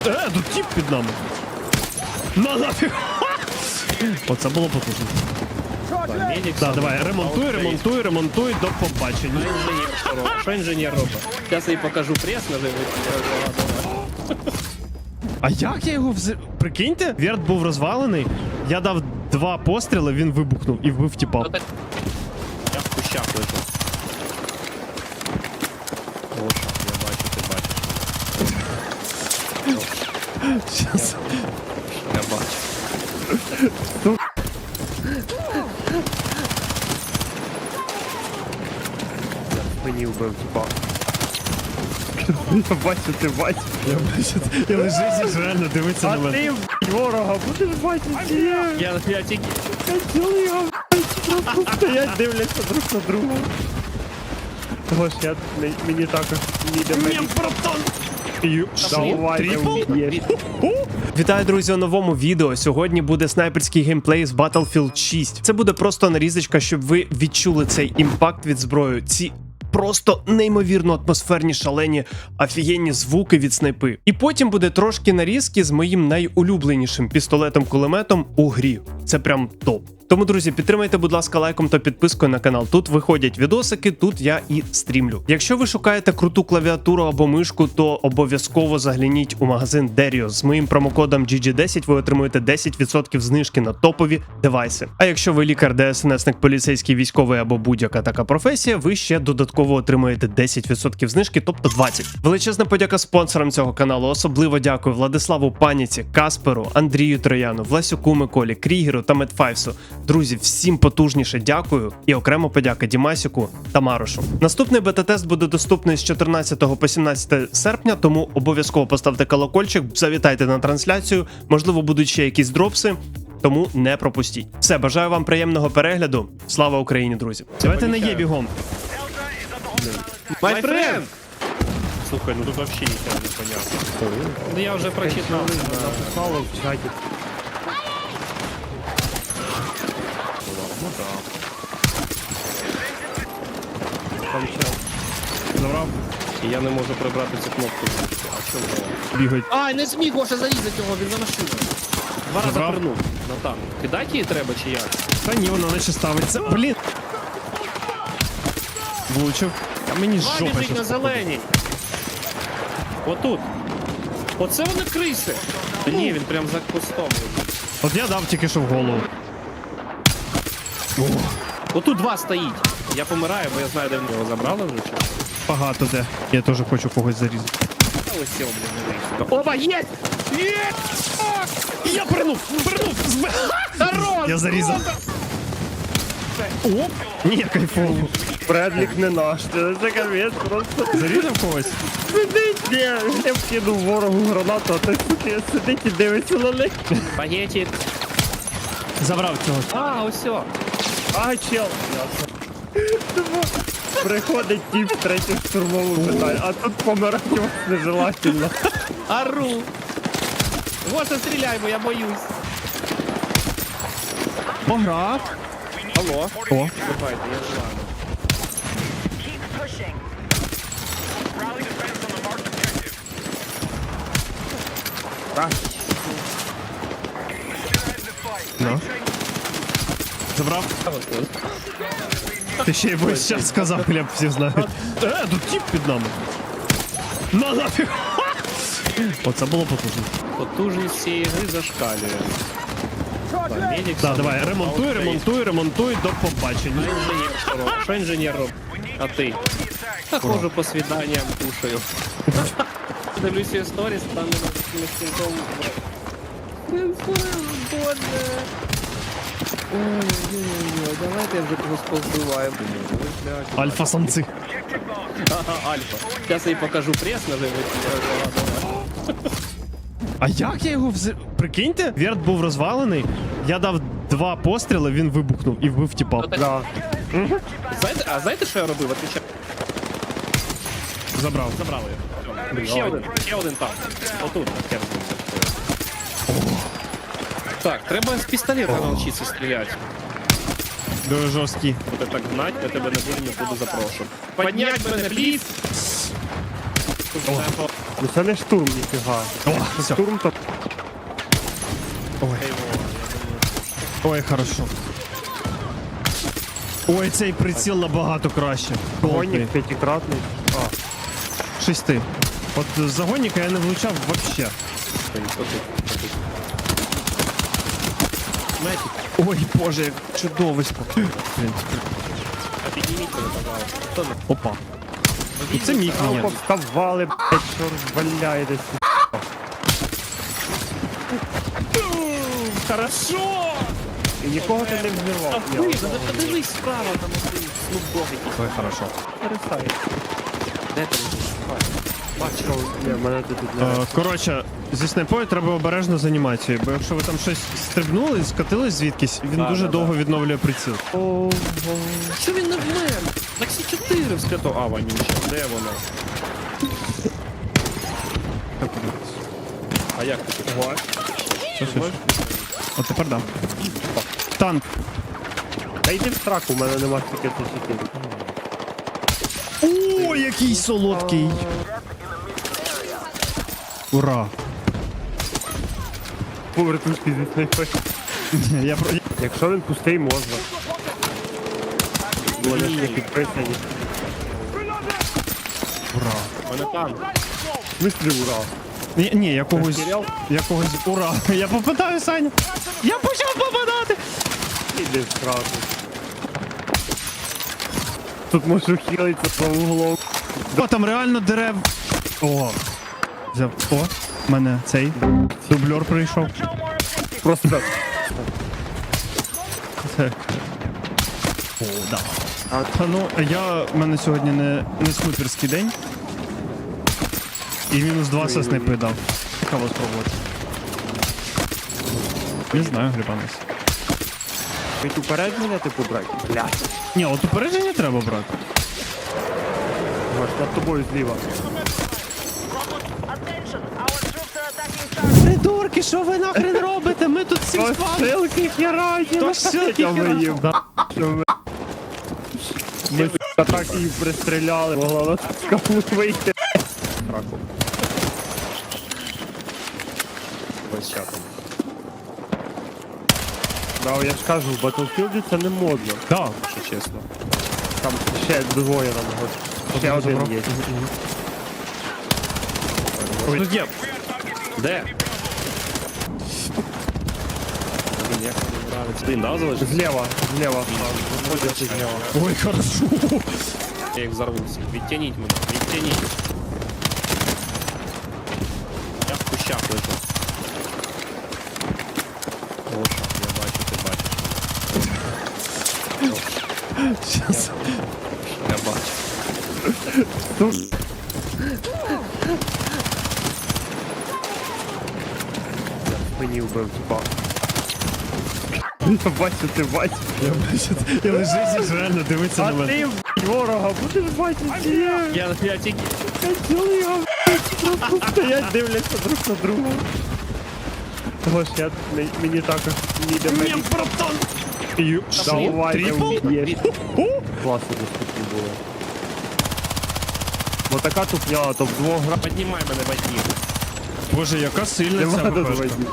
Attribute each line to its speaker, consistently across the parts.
Speaker 1: Тут тип під нами. На нафіг. Оце було потужно. Так, давай, ремонтуй, до побачення.
Speaker 2: Що інженер робить? Зараз я їй покажу прес, наживить.
Speaker 1: А як я його Прикиньте, верт був розвалений, я дав 2 постріли, він вибухнув і вбив тіпа.
Speaker 2: Я в кущах лежу. О, я бачу, ти бачиш.
Speaker 1: Щас.
Speaker 2: Я бачу. Я в спині вбив, типа.
Speaker 1: Я бачу, ти бачиш. Я лежить і реально дивиться на мене.
Speaker 3: Ти, ворога, будеш бачити.
Speaker 2: Я тільки...
Speaker 3: Цілий його, просто стоять, дивляться друг на друга. Гош, мені також ніде
Speaker 1: Ні, братан!
Speaker 3: Давай,
Speaker 1: Трипл?
Speaker 3: вб'єш.
Speaker 1: Вітаю, друзі, у новому відео. Сьогодні буде снайперський геймплей з Battlefield 6. Це буде просто нарізочка, щоб ви відчули цей імпакт від зброї. Ці просто неймовірно атмосферні, шалені, офігенні звуки від снайпи. І потім буде трошки нарізки з моїм найулюбленішим пістолетом-кулеметом у грі. Це прям топ. Тому, друзі, підтримайте, будь ласка, лайком та підпискою на канал. Тут виходять відосики, тут я і стрімлю. Якщо ви шукаєте круту клавіатуру або мишку, то обов'язково загляніть у магазин Derio. З моїм промокодом GG10 ви отримуєте 10% знижки на топові девайси. А якщо ви лікар, ДСНСник, поліцейський, військовий або будь-яка така професія, ви ще додатково отримуєте 10% знижки, тобто 20%. Величезна подяка спонсорам цього каналу. Особливо дякую Владиславу Паніці, Касперу, Андрію Трояну, Власюку Миколі, Крігеру та Медфайвсу. Друзі, всім потужніше дякую і окремо подяка Дімасіку та Марошу. Наступний бета-тест буде доступний з 14 по 17 серпня, тому обов'язково поставте колокольчик, завітайте на трансляцію, можливо будуть ще якісь дропси, тому не пропустіть. Все, бажаю вам приємного перегляду. Слава Україні, друзі! Давайте не є бігом.
Speaker 2: My friend! Слухай, ну тут вообще нічого не понятно. Ну я вже прочитав.
Speaker 3: Написали в чаті.
Speaker 2: Ну так.
Speaker 3: Там чат.
Speaker 1: Забрав,
Speaker 2: І я не можу прибрати цю кнопку. А чому?
Speaker 1: бігають.
Speaker 2: Ай, не зміг Гоша зарізати його, він за машиною. Два рази
Speaker 1: Забрав.
Speaker 2: пернув на танк. Кидати її треба чи як?
Speaker 1: Та ні, вона наче ставиться. Блін! Влучив. А мені
Speaker 2: Два
Speaker 1: жопа
Speaker 2: біжить на
Speaker 1: щас.
Speaker 2: зеленій. Отут. Оце вони криси. Та ні, він прям за кустом.
Speaker 1: От я дав тільки що в голову.
Speaker 2: Отут два стоїть. Я помираю, бо я знаю, де в нього забрали вже чи.
Speaker 1: Багато де. Я теж хочу когось зарізати.
Speaker 2: А ось цього, блін, не вийшло. Опа, є! Є!
Speaker 1: Я пернув!
Speaker 2: Хорош!
Speaker 1: Я зарізав. Оп! Ні, кайфово.
Speaker 3: Бредлік не наш, це капець просто.
Speaker 1: Зарізав когось?
Speaker 3: Сидить, ні, я вкинув ворогу гранату, а той суки сидить і дивиться на них.
Speaker 2: Пагетик.
Speaker 1: Забрав цього.
Speaker 2: А, ось все.
Speaker 3: А, чел. Тому приходить тіп в третю штурмову питає, а тут помирати вас нежелательно.
Speaker 2: Ару. Гоша, стріляй, бо я боюсь.
Speaker 1: Пограв.
Speaker 2: Алло.
Speaker 1: О.
Speaker 2: Давайте, я желаю.
Speaker 1: Ну. Забрав. Ти ще й весь час сказав, хліб всі знають. Тут тип під нами. На нафіг. Оце було потужно.
Speaker 2: Потужність цієї гри зашкалює. Медик
Speaker 1: Так, давай, ремонтуй, до побачення.
Speaker 2: Що інженер робить? А ти? Та ходжу по свіданням, кушаю. Дивлюся її сторіс, там не стінком. Боже. Ой-ой-ой, давайте я вже когось повбиваю.
Speaker 1: Альфа-самці.
Speaker 2: Ага, альфа. Зараз я їй покажу прес, наживить.
Speaker 1: А як я його Прикиньте, верт був розвалений, я дав 2 постріли, він вибухнув і вбив тіпа.
Speaker 3: Да.
Speaker 2: Знаєте, що я робив? Отвічаю.
Speaker 1: Забрав.
Speaker 2: Забрали його. Ще один там. Отут. Так, треба з пістолета навчитися стріляти.
Speaker 1: Дуже жорсткий.
Speaker 2: Буде так гнать, я тебе не буду нікуди запрошувати. Поднять мене, пліз!
Speaker 3: Ну це не штурм, ніфіга.
Speaker 1: О,
Speaker 3: Це
Speaker 1: все.
Speaker 3: штурм, то
Speaker 1: Ой, хорошо. Ой, цей приціл набагато краще.
Speaker 3: вогонник п'ятикратний. А,
Speaker 1: 6. От з загонника я не влучав вообще. Ой, боже, як чудовисько. Блін,
Speaker 2: А підніміть мене, пожалуйста. Хто не?
Speaker 1: опа. Це мій
Speaker 3: ну,
Speaker 1: клієнт.
Speaker 3: повставали, блядь, що розваляєтесь.
Speaker 2: Хорошо!
Speaker 3: І нікого ти не взірвав.
Speaker 2: А ви, ну подивись справа, там один снупдог якийсь.
Speaker 1: Ой, хорошо.
Speaker 3: Перестай.
Speaker 2: Де ти лежиш?
Speaker 3: Бачив, ні, мене тут не...
Speaker 1: Коротше, зі снайпою треба обережно з анімацією, бо якщо ви там щось стрибнули, скатились звідкись, він дуже довго відновлює приціл.
Speaker 2: Що він не вмер? Так всі 4 вскато. А, вонюча, де воно? А як ти тут?
Speaker 1: Що? От тепер да. Танк.
Speaker 3: Та йди в сраку, у мене нема стільки тисячі.
Speaker 1: О, який солодкий. Ура.
Speaker 3: Повертушки зі снайпи.
Speaker 1: Я про...
Speaker 3: Якщо він пустий, можна. Вони ж не підписані.
Speaker 1: Ура.
Speaker 2: Мене там.
Speaker 3: В смислі ура.
Speaker 1: Ні, якогось...
Speaker 3: Розстріляв?
Speaker 1: Якогось... Ура. Я попадаю, Саня. Я почав попадати.
Speaker 3: Іди в сраку. Тут можу хілитися по углом.
Speaker 1: О, там реально дерев. О. Взяв. О, в мене цей дублер прийшов.
Speaker 3: Просто
Speaker 1: Це. О, да. Та ну, в мене сьогодні не снайперський день. І мінус 2 со снайпи дав. Цікаво спробувати. Не знаю, грибанець.
Speaker 3: Ведь уперед мене типу брати. Блядь.
Speaker 1: Ні, от упередження треба брати.
Speaker 3: Маш, над тобою зліва.
Speaker 1: Придурки, що ви нахрен робите? Ми тут всі
Speaker 3: Посилки херать,
Speaker 1: То ссылки херать.
Speaker 3: Ми так її пристріляли, могла нас з капу вийти. Раку.
Speaker 2: Ось ща там.
Speaker 3: Да, я ж кажу, в Battlefield це не модно,
Speaker 1: Так.
Speaker 3: якщо чесно. Там ще двоє нам год. Ще один є.
Speaker 1: Тут є.
Speaker 2: Де? Блін, як мені нравиться. Блін, да, залишив?
Speaker 3: Зліва. Виходять зліва.
Speaker 1: Ой, хорошо.
Speaker 2: Я їх взорвуся. Відтяніть мене, відтяніть. Я в кущах лежу. О, я бачу, ти бачиш.
Speaker 1: Щас.
Speaker 2: Я бачу.
Speaker 3: Мені вбив, типа. Я бачу, ти бачиш.
Speaker 1: Я лежить і реально дивиться на
Speaker 3: А
Speaker 1: мене.
Speaker 3: ти, б***ь, ворога, будеш бачити, чи ні?
Speaker 2: Я тільки...
Speaker 3: Хотіли його, б***ь, просто стоять, дивляться друг на друга. Гош, мені також ніде мені.
Speaker 1: братан!
Speaker 3: Давай,
Speaker 1: Трипл?
Speaker 3: вб'єш. Класно доступні були. Бо така тупня, то вдвох гра.
Speaker 2: Піднімай мене, батьків.
Speaker 1: Боже, яка сильна ця
Speaker 3: Нема
Speaker 1: ППшка.
Speaker 3: дозводів.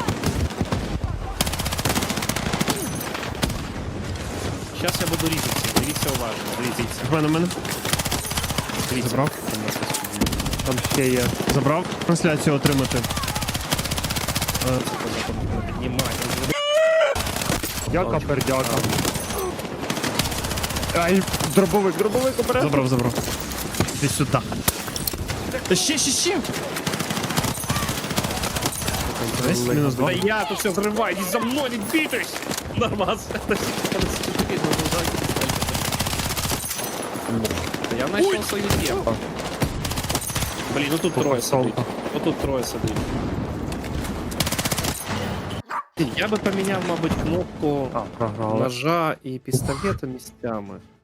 Speaker 2: Зараз я буду різатися. Дивіться уважно. Дивіться.
Speaker 1: В мене.
Speaker 2: Дивіться.
Speaker 1: Забрав?
Speaker 3: Там ще є.
Speaker 1: Забрав трансляцію отримати.
Speaker 2: Піднімай.
Speaker 3: Дяка, пердяка. Ай, дробовик обережно.
Speaker 1: Забрав. Іди сюди. Ще. Десь мінус 2.
Speaker 2: Да я тут все взрываю, не за мной, не двигайся! Нормально. Я начал свою тему. Блин, ну тут трое сидит. Вот тут трое сидит. Я бы поменял, мабуть, кнопку
Speaker 3: А, програли.
Speaker 2: ножа и пистолета местами.